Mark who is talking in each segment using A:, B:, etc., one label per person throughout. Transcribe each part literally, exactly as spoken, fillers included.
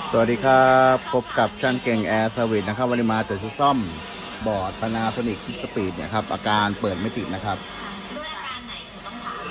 A: สวัสดีครับพบกับช่างเก่งแอร์สวิตนะครับวันนี้มาตรวจซ่อมบอร์ดพานาโซนิกสปีดเนี่ยครับอาการเปิดไม่ติดนะครับ
B: ด้วยอาการไหนถึงต้องถาม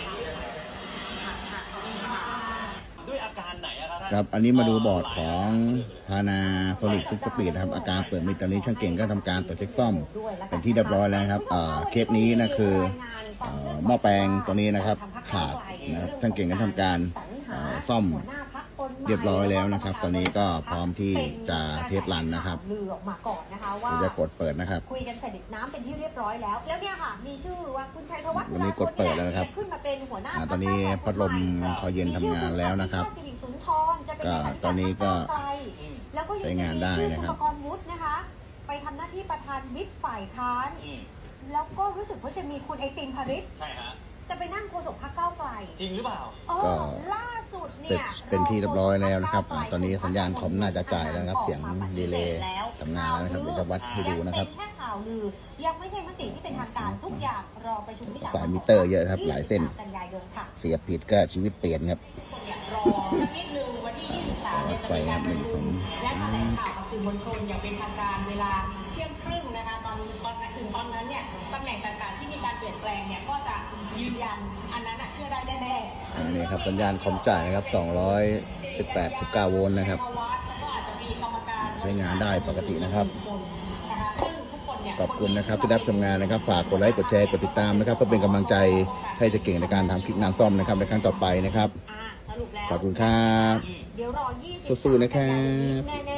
B: ด้วยอาการไหนครับ
A: ครับอันนี้มาดูบอร์ดของพานาโซนิกสปีดนะครับอาการเปิดไม่ติดตอนนี้ช่างเก่งก็ทำการตรวจเช็คซ่อมเป็นที่เรียบร้อยแล้วครับเคสนี้นะคือหม้อแปลงตัวนี้นะครับขาดนะครับช่างเก่งก็ทำการซ่อมเรียบร้อยแล้วนะครับตอนนี้ก็พร้อมที่จะเทสรันนะครับ
C: ลือออกมาก่อนนะคะว่า
A: จะกดเปิดนะครับ
C: คุยกันเสร็จน้ำเป็นที่เรียบร้อยแล้วแล้วเนี่ยค่ะมีชื่อว่าคุณชัยธวัฒน์
A: วันนี้กดเปิดแล้วนะครับ
C: ขึ้นมาเป็นหัวหน้า
A: ตอนนี้พัดลมคอยเย็นทำงานแล้วนะครับก็ตอนนี้ก็ใช้งานได้นะครับ
C: คุณประกรณ์วุฒินะคะไปทำหน้าที่ประธานวิปฝ่ายค้านแล้วก็รู้สึกว่าจะมีคุณไอติมพาริศ
B: ใช่ฮะ
C: จะไปนั่งโฆษกพรรคก้าวไกล
B: จริงหรือเปล่า
A: ก็
C: ล่าสุด
A: เนี่ยเป็นที่เรียบร้อยแล้วนะครับตอนนี้สัญญาณคอมน่าจะจ่ายแล้วครับเสียงดีเลย์ทำงานแล้วนะครับเดี๋ยวจะวัดให้ดูนะครับ
C: แค่ข่าวลือยังไม่ใช่มติที่เป็นทางการทุกอย่างรอประชุมวิสา
A: สายมิเตอร์เยอะครับหลายเส้น
C: กันยายนค่ะ
A: เสียผิดก็ชีวิตเปลี่ยนครับ
B: รอนิดนึงวันที่ยี่สิบสามเนี่ยจะมีการประชุมและแถลงข่าวกับสื่อมวลชนอย่างเป็นทางการเวลาเที่ยงครึ่งนะคะตอนตอนถึงตอนนั้นเนี่ยตำแหน่งต่างๆที่มีการเปลี่ยนแปลงเนี่ยก็จะยืนยันอันนั้นเชื่อได้แน่ๆ
A: อันนี้ครับสัญญาณคอมจ่ายนะครับสองร้อยสิบแปด สิบเก้าโวลต์นะครับใช้งานได้ปกตินะครับขอบคุณนะครับที่รับชมงานนะครับฝากกดไลค์กดแชร์กดติดตามนะครับเพื่อเป็นกำลังใจให้จะเก่งในการทำคลิปงานซ่อมนะครับในครั้งต่อไปนะครับขอบคุณครับสู้ๆนะครับ